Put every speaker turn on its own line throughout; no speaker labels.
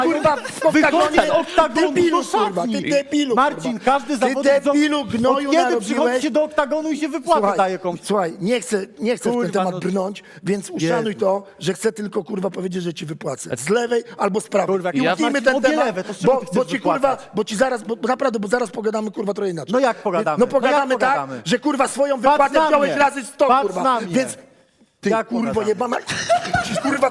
kurwa, w oktagonie,
z oktagonu
debilu,
do
kurwa, ty
szatni.
debilu,
Marcin,
kurwa.
każdy zawodnik...
Ty debilu, gnoju
Od kiedy
narobiłeś?
przychodzi się do oktagonu i się wypłatę daje komuś?
Słuchaj, nie chcę w ten
Kurwa,
temat
no-
brnąć, więc uszanuj to, że chcę tylko, kurwa, powiedzieć, że ci wypłacę. Z lewej albo z prawej.
Kurwa, jak
I
ja
utnijmy
masz
ten
obie
temat,
lewe, to z czego ty
bo
chcesz
ci, kurwa,
wypłacać?
bo ci zaraz, bo naprawdę, bo zaraz pogadamy, kurwa, trochę inaczej.
No jak pogadamy?
No
No
pogadamy
jak
tak,
pogadamy?
że, kurwa, swoją
Patrz
wypłatę
na
wziąłeś
mnie.
razy 100,
Patrz
kurwa.
na mnie.
Więc ty,
Jak
kurwo,
pogadamy?
jebana... Ci, kurwa,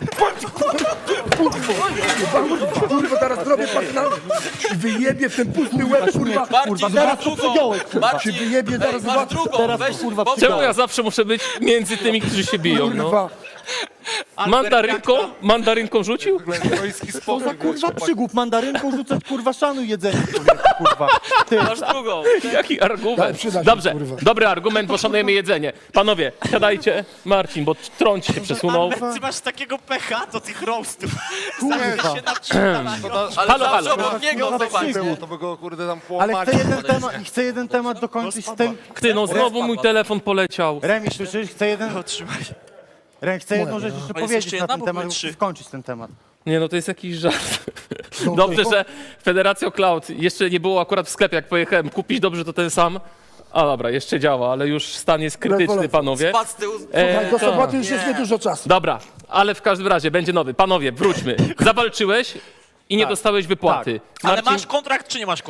kurwa, teraz zrobię partner i wyjebie w ten pusty łeb, kurwa.
Marcin,
teraz
masz
to
drugą.
przygiąłeś, kurwa.
Marcin,
Ci wyjebie
ej,
zaraz
masz
dwa-
drugą,
teraz to,
weź,
kurwa,
bo-
przygiąłeś.
Czemu ja zawsze muszę być między tymi, którzy się biją, no?
Kurwa.
Mandarynką rzucił?
Co za kurwa przygłup, mandarynką rzucać, kurwa, szanuj jedzenie, człowieku, kurwa. Ty,
Masz drugą.
Jaki argument?
przyda się,
Dobrze,
kurwa.
dobry argument, bo szanujemy jedzenie. Panowie, siadajcie. Marcin, bo trąć się przesunął.
Ty masz takiego pecha do tych roastów.
kurwa.
się naprzydalaniu.
Ale
Halo,
zawsze
halo.
obok niego
Kurwa,
zobacz.
przyjdzie.
To by go kurde tam
Ale
połamali.
chcę jeden temat dokończyć z tym.
Ty, no znowu mój telefon poleciał.
Remi, słyszysz? Chcę jedną rzecz jeszcze
Ale jest
powiedzieć
jeszcze
na
jedna,
ten
bo
temat,
były trzy.
skończyć ten temat.
Nie, no to jest jakiś żart. Dobrze, że Federacja Cloud jeszcze nie było akurat w sklepie, jak pojechałem kupić, dobrze to ten sam. A dobra, jeszcze działa, ale już stan jest krytyczny,
Polecam.
panowie.
Spadł z tyłu.
Słuchaj, do
to-
soboty już jest niedużo czasu.
Dobra, ale w każdym razie będzie nowy. Panowie, wróćmy. Zawalczyłeś i nie dostałeś wypłaty.
Ale
Marcin,
masz kontrakt, czy nie masz kontrakt?